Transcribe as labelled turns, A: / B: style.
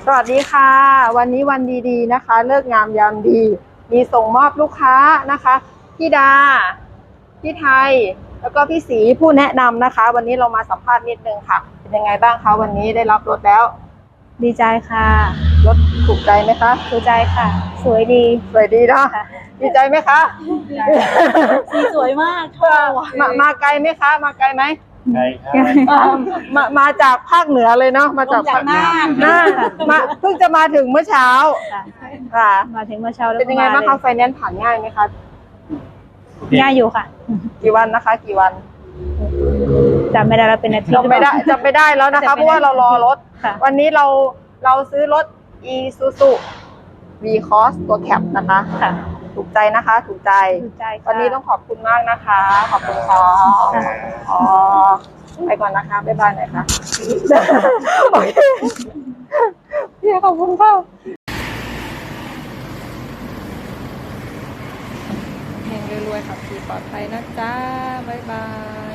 A: สวัสดีค่ะวันนี้วันดีๆนะคะเลิกงามยามดีมีส่งมอบลูกค้านะคะพี่ดาพี่ไทยแล้วก็พี่ศรีผู้แนะนำนะคะวันนี้เรามาสัมภาษณ์นิดนึงค่ะเป็นยังไงบ้างคะวันนี้ได้รับรถแล้ว
B: ดีใจค่ะ
A: รถถูกใจไหมคะ
B: ถูกใจค่ะ สวยดี
A: สวยดีเนาะดีใจไหมคะ
B: สีสวยมาก
A: มาไกลไหมคะมาไกลไหม
C: ไกลครับ
A: มาจากภาคเหนือเลยเนาะมาจากภาคน่านมาเพิ่งจะมาถึงเมื่อเช้าค่ะ
B: มาถึงเมื่อเช้าแล้ว
A: เป็นยังไงบ้างคะไฟแนนซ์ผ่านง่ายไหมคะ
B: ง่ายอยู่ค่ะ
A: กี่วันนะคะกี่วัน
B: จำไม่ได้แล้วเป็นอาทิตย์
A: จำไม่ได้แล้วนะคะเพราะว่าเรารอรถวันนี้เราซื้อรถ Isuzu V-Cross ตัวแคปนะคะถูกใจนะคะถูกใจวันนี้ต้องขอบคุณมากนะคะขอบคุณค่ะอ๋อไปก่อนนะคะบ๊ายบายหน่อยค่ะโอเคพี่ขอบคุณค่ะเฮงรวยๆขับขี่ปลอดภัยนะจ๊ะบ๊ายบาย